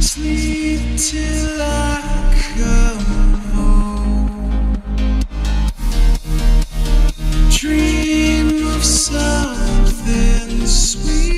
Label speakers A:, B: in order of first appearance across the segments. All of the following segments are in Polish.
A: sleep till I come home. Dream of something sweet.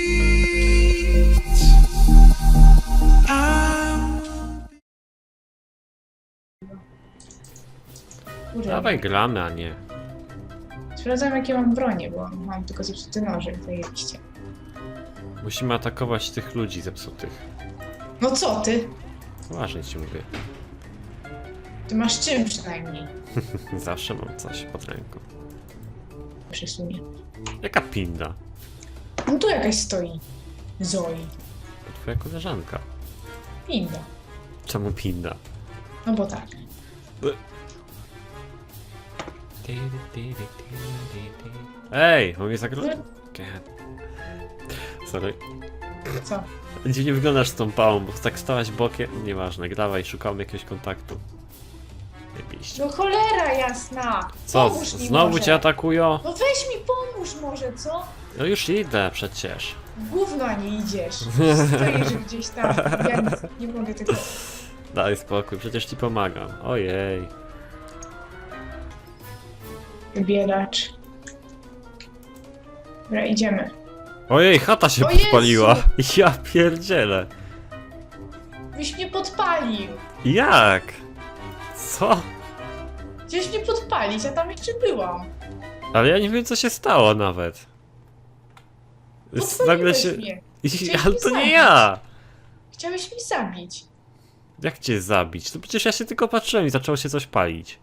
B: Dawaj gramy, a nie.
C: Sprawdzam jakie mam bronie, bo mam tylko zepsuty nożyk, zajebiście.
B: Musimy atakować tych ludzi zepsutych.
C: No co ty?
B: Poważnie ci mówię.
C: Ty masz czym przynajmniej.
B: Zawsze mam coś pod ręką.
C: Przesunie.
B: Jaka pinda?
C: No tu jakaś stoi. Zoe.
B: To twoja koleżanka.
C: Pinda.
B: Czemu pinda?
C: No bo tak.
B: Ej, on mnie zagroził. Sorry.
C: Co?
B: Dziwnie wyglądasz z tą pałą, bo tak stałaś bokiem. Nieważne, dawaj, szukamy jakiegoś kontaktu. Jebiście.
C: No cholera jasna!
B: Co,
C: Pomóż mi
B: znowu
C: może.
B: cię atakują?
C: No weź mi pomóż może, co?
B: No już idę przecież.
C: W gówno a nie idziesz. Stoisz gdzieś tam. Ja nie mogę tego...
B: Daj spokój, przecież ci pomagam. Ojej.
C: Bielacz. Dobra, idziemy.
B: Ojej, chata się
C: O Jezu!
B: podpaliła. Ja pierdzielę.
C: Byś mnie podpalił.
B: Jak? Co?
C: Chciałeś mnie podpalić, a tam jeszcze byłam.
B: Ale ja nie wiem, co się stało nawet. Nagle się...
C: Mnie.
B: Ale to nie ja!
C: Chciałeś mnie zabić.
B: Jak cię zabić? To przecież ja się tylko patrzyłem i zaczęło się coś palić.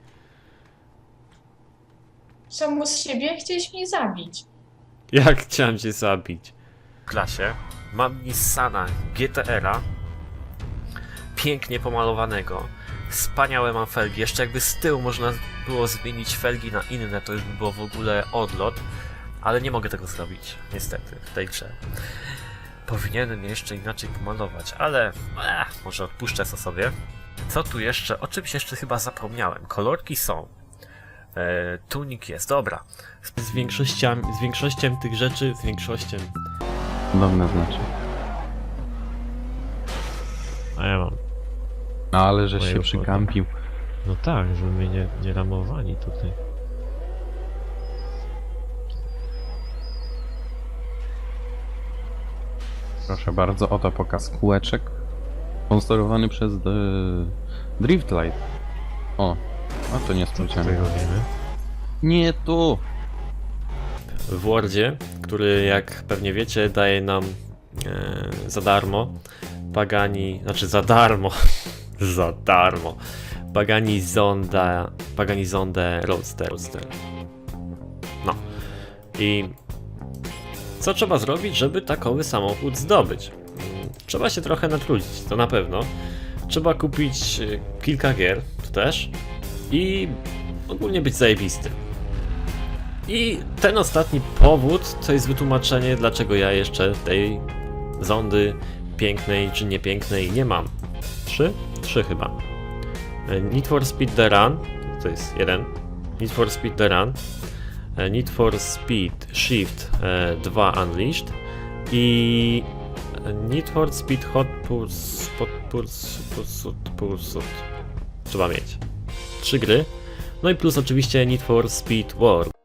C: Samo z siebie chciałeś mnie zabić.
B: Jak chciałem cię zabić? W klasie mam Nissana GTR-a. Pięknie pomalowanego. Wspaniałe mam felgi. Jeszcze jakby z tyłu można było zmienić felgi na inne, to już by było w ogóle odlot. Ale nie mogę tego zrobić, niestety, w tej grze. Powinienem jeszcze inaczej pomalować, ale może odpuszczę to sobie. Co tu jeszcze? O czymś jeszcze chyba zapomniałem. Kolorki są. Tunik jest, dobra. Z większością tych rzeczy, z większością.
D: Podobne znaczy.
B: A ja mam.
D: No ale żeś
B: Moje
D: się
B: układy.
D: przykampił.
B: No tak, żeby mnie nie ramowali tutaj.
D: Proszę bardzo, oto pokaz kółeczek. Sponsorowany przez Driftlight. O, a to niespodziane.
B: robimy?
D: Nie tu!
B: W Wordzie, który jak pewnie wiecie daje nam za darmo Pagani, znaczy za darmo, za darmo Pagani Zonda Roadster. No i co trzeba zrobić, żeby takowy samochód zdobyć? Trzeba się trochę natrudzić, to na pewno. Trzeba kupić kilka gier, to też, i ogólnie być zajebistym. I ten ostatni powód to jest wytłumaczenie, dlaczego ja jeszcze tej zondy pięknej czy niepięknej nie mam. Trzy chyba. Need for Speed The Run, to jest jeden. Need for Speed The Run. Need for Speed Shift 2 Unleashed. I Need for Speed Hot Pursuit. Trzeba mieć. 3 gry. No i plus oczywiście Need for Speed World.